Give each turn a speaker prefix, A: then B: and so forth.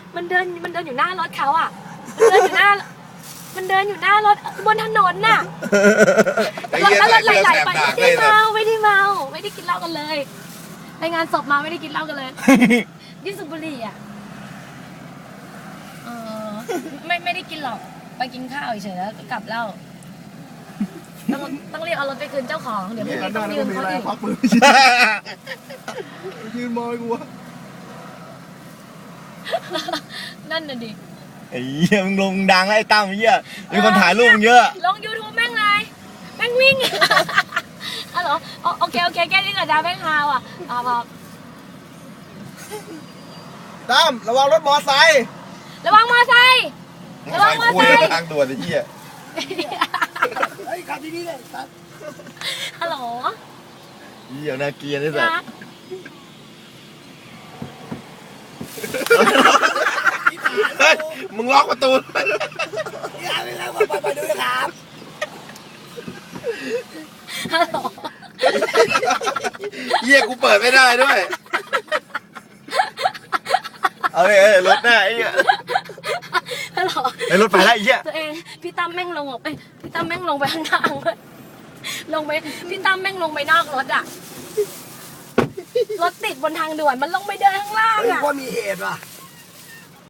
A: มันเดินอยู่หน้ารถเขาอ่ะมันเดินอยู่หน้ารถบนถนนน่ะแล้วรถไหลไปไม่ได้เมาไม่ได้กินเหล้ากันเลยไปงานศพมาไม่ได้กินเหล้ากันเลยยิ่งสูบบุหรี่อ่ะไม่ได้กินหรอกไปกินข้าวเฉยๆแล้วก็กลับเหล้าต้องเรียกเอารถไปคืนเจ้าของเดี๋ยวพรุ่งนี้ต้องยืมเขาอีก
B: ยืนมองกูวะ
A: นั่นน่ะดิ
C: ไอ้เหี้ยมึงลงดังแล้วไอ้ตั้มไอ้เหี้ยมีคนถ่ายรูปมึงเยอะ
A: ลง YouTube แม่งเลยแม่งวิ่งอ๋อเหรอโอเคแค่นี้ก่อนนะแม่งฮาวอ่ะพอ
B: ตั้มระวังรถมอไซค์
A: ระวังมอไซค์ระวังมอไซค์
C: ทางด่วนไอ้เหี้ย
B: ไอ้ขับดีๆเลยครับ
A: ฮัลโหล
C: เหี้ยน่าเกลียดที่สุด
A: นะ
C: เฮ้ยมึงล็อกประตู
B: อย่าไปแล้วไปดูนะครับ
A: ฮัลโหล
C: เหี้ยกูเปิดไม่ได้ด้วยเอาเลยรถหน้าไอ้เหี้ย
A: ฮัลโหล
C: ไอ้รถไปแล้วไอ้เหี้ย
A: ตัวเองพี่ตั้มแม่งลงออกไปพี่ตั้มแม่งลงไปข้างทางเลยพี่ตั้มแม่งลงไปนอกรถอ่ะรถติดบนทางด่วนมันลงไปเดินข้างล่าง
B: เฮ้ย
A: อ่ะ
B: ว่ามีเหตุว่ะ